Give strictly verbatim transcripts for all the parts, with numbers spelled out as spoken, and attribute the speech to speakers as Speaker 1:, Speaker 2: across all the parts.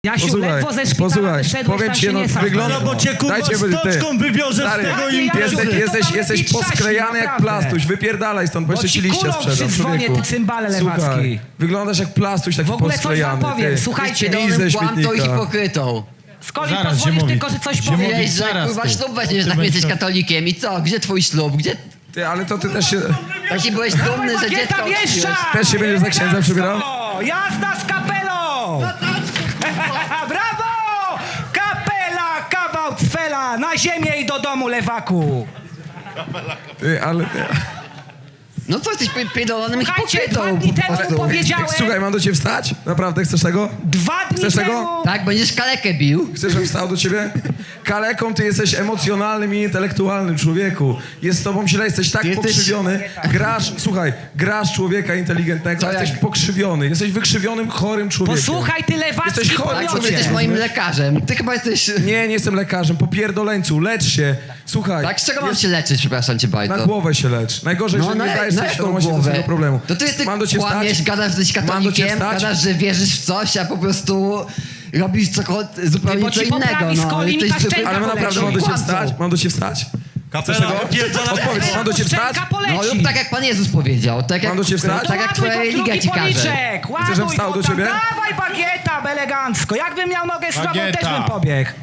Speaker 1: Jasiu,
Speaker 2: Posłuchaj,
Speaker 1: ledwo ze szpitala
Speaker 2: posłuchaj,
Speaker 1: wyszedłeś,
Speaker 2: powiem
Speaker 1: tam
Speaker 2: ci,
Speaker 1: się
Speaker 2: no,
Speaker 1: nie sadź.
Speaker 2: wygląda-
Speaker 3: No bo cię kurwa
Speaker 2: Dajcie,
Speaker 3: z
Speaker 2: ty.
Speaker 3: toczką wywiążę
Speaker 2: Stary,
Speaker 3: z tego
Speaker 1: jaki
Speaker 3: imprezy.
Speaker 1: Jasiu,
Speaker 2: Jesteś,
Speaker 1: ty to
Speaker 2: jesteś,
Speaker 1: tam
Speaker 2: jesteś
Speaker 1: lepiej
Speaker 2: posklejany jak
Speaker 1: naprawdę.
Speaker 2: plastuś, wypierdalaj stąd, bo
Speaker 1: Bo
Speaker 2: jeszcze ci
Speaker 1: ci
Speaker 2: liścia
Speaker 1: kulą
Speaker 2: sprzedam,
Speaker 1: przydzwonię,
Speaker 2: człowieku.
Speaker 1: ty cymbale lewacki.
Speaker 2: Słuchaj, wyglądasz jak plastuś taki
Speaker 1: W ogóle coś wam
Speaker 2: posklejany.
Speaker 1: powiem,
Speaker 2: ty.
Speaker 1: słuchajcie,
Speaker 2: Idź
Speaker 4: Pierdolonym
Speaker 2: ze
Speaker 4: kłamtą i
Speaker 2: śmietnika.
Speaker 4: hipokrytą.
Speaker 1: Skoli,
Speaker 3: Zaraz,
Speaker 1: pozwolisz
Speaker 3: Ziemowit.
Speaker 1: tylko, że coś
Speaker 3: Ziemowit.
Speaker 1: powiem.
Speaker 4: Powiedziałeś, że
Speaker 3: zaraz,
Speaker 4: kurwa
Speaker 3: ty.
Speaker 4: ślub weźmiesz,
Speaker 3: Ty
Speaker 4: jak
Speaker 3: będziesz-
Speaker 4: jesteś katolikiem i co? Gdzie twój ślub? Gdzie...
Speaker 2: Ty, ale to ty też się,
Speaker 4: Taki byłeś dumny, że dziecko
Speaker 1: Bagieta
Speaker 4: odkryłeś.
Speaker 1: wjeżdża!
Speaker 2: też się będziesz za księdza przybierał?
Speaker 1: Elegancko! Jazda z kapelą! Brawo! Kapela, kawał cfela, na ziemię i do domu, lewaku!
Speaker 2: Ty, ale... Ty.
Speaker 4: No co, jesteś pi- pierdolonym
Speaker 1: Słuchajcie,
Speaker 4: hipokrytą
Speaker 1: dwa dni
Speaker 4: po
Speaker 1: temu
Speaker 4: prostu.
Speaker 1: powiedziałem...
Speaker 2: Słuchaj, mam do ciebie wstać? Naprawdę, chcesz tego?
Speaker 1: Dwa dni
Speaker 2: Chcesz tego?
Speaker 1: temu...
Speaker 4: Tak, będziesz kalekę bił.
Speaker 2: Chcesz, żebym wstał do ciebie? Kaleką ty jesteś emocjonalnym i intelektualnym, człowieku. Jest z tobą źle, jesteś tak
Speaker 4: Ty jesteś-
Speaker 2: pokrzywiony. Grasz, słuchaj, grasz człowieka inteligentnego,
Speaker 4: Co
Speaker 2: a jesteś
Speaker 4: jak-
Speaker 2: pokrzywiony. Jesteś wykrzywionym, chorym człowiekiem.
Speaker 1: Posłuchaj, ty lewacki
Speaker 2: Jesteś chory,
Speaker 4: Tak,
Speaker 2: człowieku.
Speaker 4: ty jesteś moim lekarzem. Ty chyba jesteś...
Speaker 2: Nie, nie jestem lekarzem, popierdoleńcu, lecz się. Słuchaj,
Speaker 4: Tak, z czego mam się leczyć, przepraszam cię,
Speaker 2: na
Speaker 4: Bajto?
Speaker 2: głowę się lecz. Najgorzej,
Speaker 4: No
Speaker 2: że
Speaker 4: na,
Speaker 2: nie zdajesz
Speaker 4: na
Speaker 2: sobie
Speaker 4: jaką
Speaker 2: świadomości do
Speaker 4: głowę?
Speaker 2: tego problemu.
Speaker 4: To ty, ty
Speaker 2: Mam do ciebie
Speaker 4: kłamiesz,
Speaker 2: wstać?
Speaker 4: gadasz, że jesteś
Speaker 2: Mam do ciebie
Speaker 4: katolikiem,
Speaker 2: wstać?
Speaker 4: gadasz, że wierzysz w coś, a po prostu robisz cokolwiek zupełnie
Speaker 1: Bo
Speaker 4: co
Speaker 1: ci
Speaker 4: innego.
Speaker 1: poprawi z
Speaker 4: No.
Speaker 1: coli mi
Speaker 4: Jesteś
Speaker 1: ta
Speaker 4: zupełnie-
Speaker 1: szczęka
Speaker 2: Ale my
Speaker 1: poleci.
Speaker 2: naprawdę mam do ciebie
Speaker 4: Kłamcą.
Speaker 2: wstać? Mam do ciebie wstać?
Speaker 3: Kapela,
Speaker 2: tego?
Speaker 3: odpierdala-
Speaker 2: Odpowiedz, mam do ciebie wstać?
Speaker 1: Szczęka poleci.
Speaker 4: No lub tak jak Pan Jezus powiedział, tak jak,
Speaker 2: Mam do ciebie wstać?
Speaker 4: tak jak
Speaker 1: Ładuj
Speaker 4: twoja
Speaker 1: go w
Speaker 4: religia
Speaker 1: drugi
Speaker 4: ci każe.
Speaker 1: policzek,
Speaker 2: Chcesz, żebym
Speaker 1: ładuj
Speaker 2: wstał
Speaker 1: go
Speaker 2: do
Speaker 1: tam.
Speaker 2: ciebie?
Speaker 1: Dawaj bagieta, elegancko. Jakbym miał nogę z tobą,
Speaker 3: Bagieta.
Speaker 1: też bym pobiegł.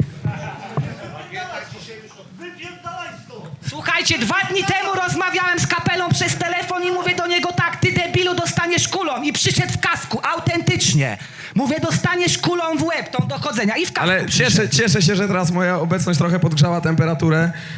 Speaker 1: Słuchajcie, dwa dni temu rozmawiałem z kapelą przez telefon i mówię do niego tak, ty debilu dostaniesz kulą. I przyszedł w kasku, autentycznie. Mówię, dostaniesz kulą w łeb, tą dochodzenia i w kasku
Speaker 2: Ale
Speaker 1: przyszedł.
Speaker 2: cieszę, cieszę się, że teraz moja obecność trochę podgrzała temperaturę.